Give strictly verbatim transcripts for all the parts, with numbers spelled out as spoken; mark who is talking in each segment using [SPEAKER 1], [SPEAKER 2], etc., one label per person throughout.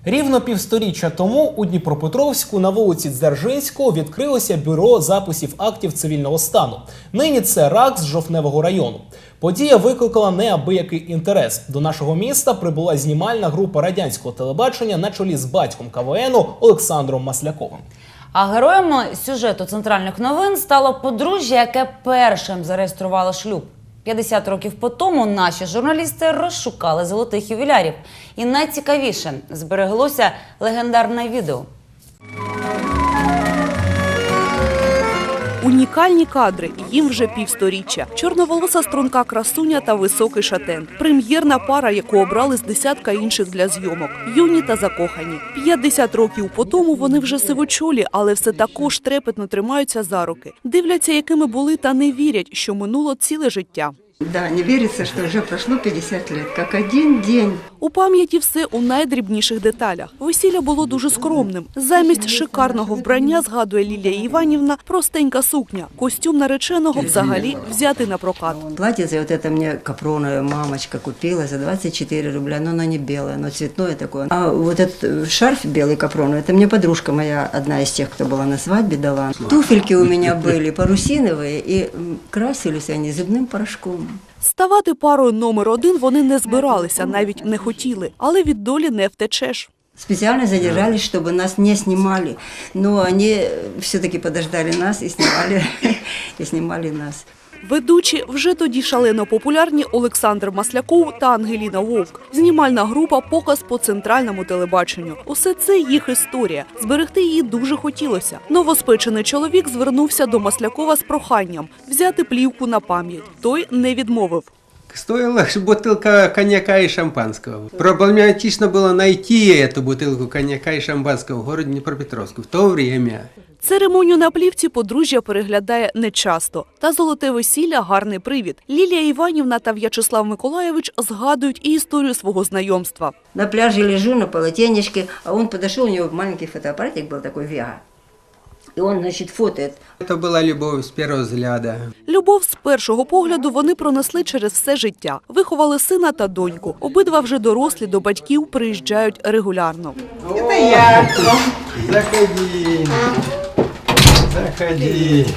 [SPEAKER 1] Рівно півсторіччя тому у Дніпропетровську на вулиці Дзержинського відкрилося бюро записів актів цивільного стану. Нині це РАКС Жовтневого району. Подія викликала неабиякий інтерес. До нашого міста прибула знімальна група радянського телебачення на чолі з батьком КВНу Олександром Масляковим.
[SPEAKER 2] А героєм сюжету центральних новин стало подружжя, яке першим зареєструвало шлюб. п'ятдесят років по тому наші журналісти розшукали золотих ювілярів. І найцікавіше – збереглося легендарне відео.
[SPEAKER 3] Унікальні кадри, їм вже півсторіччя. Чорноволоса струнка красуня та високий шатен. Прем'єрна пара, яку обрали з десятка інших для зйомок. Юні та закохані. п'ятдесят років по тому вони вже сивочолі, але все також трепетно тримаються за руки. Дивляться, якими були, та не вірять, що минуло ціле життя.
[SPEAKER 4] Да, не віриться, що вже пройшло п'ятдесят років, як один день.
[SPEAKER 3] У пам'яті все у найдрібніших деталях. Весілля було дуже скромним. Замість шикарного вбрання, згадує Лілія Іванівна, простенька сукня. Костюм нареченого взагалі взяти на прокат.
[SPEAKER 4] Платьице вот это мне капроновая мамочка купила за двадцать четыре рубля, но оно не белое, оно цветное такое. А вот этот шарф белый капроновый, это мне подружка моя, одна из тех, кто была на свадьбе, дала. Туфельки у меня были парусиновые, и красились они зубным порошком.
[SPEAKER 3] Ставати парою номер один вони не збиралися, навіть не хотіли, але від долі не втечеш.
[SPEAKER 4] Специально задержались, чтобы нас не снимали, но они все-таки подождали нас и снимали, и снимали нас.
[SPEAKER 3] Ведучі вже тоді шалено популярні Олександр Масляков та Ангеліна Вовк. Знімальна група «Показ по центральному телебаченню». Усе це їх історія. Зберегти її дуже хотілося. Новоспечений чоловік звернувся до Маслякова з проханням взяти плівку на пам'ять. Той не відмовив.
[SPEAKER 5] Стоила бутылка коньяка и шампанского. Проблематично было найти эту бутылку коньяка и шампанского в городе Днепропетровске в то время.
[SPEAKER 3] Церемонію на плівці подружжя переглядає нечасто. Та золоте весілля – гарний привід. Лілія Іванівна та В'ячеслав Миколайович згадують і історію свого знайомства.
[SPEAKER 4] На пляже лежу на полотенечке, а он подошел, у него маленький фотоаппаратик был такой Вега. И он, значит, фотоет.
[SPEAKER 5] Это была любовь с первого взгляда.
[SPEAKER 3] Любов з першого погляду вони пронесли через все життя. Виховали сина та доньку. Обидва вже дорослі, до батьків приїжджають регулярно.
[SPEAKER 5] Это я. Заходи. Заходи.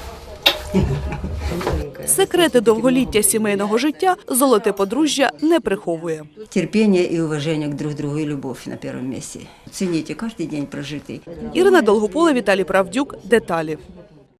[SPEAKER 3] Секрети довголіття сімейного життя золоте подружжя не приховує.
[SPEAKER 4] Терпение и уважение к друг другу и любовь на первом месте. Цените каждый день прожитый.
[SPEAKER 3] Ірина Долгопола, Віталій Правдюк. Деталі.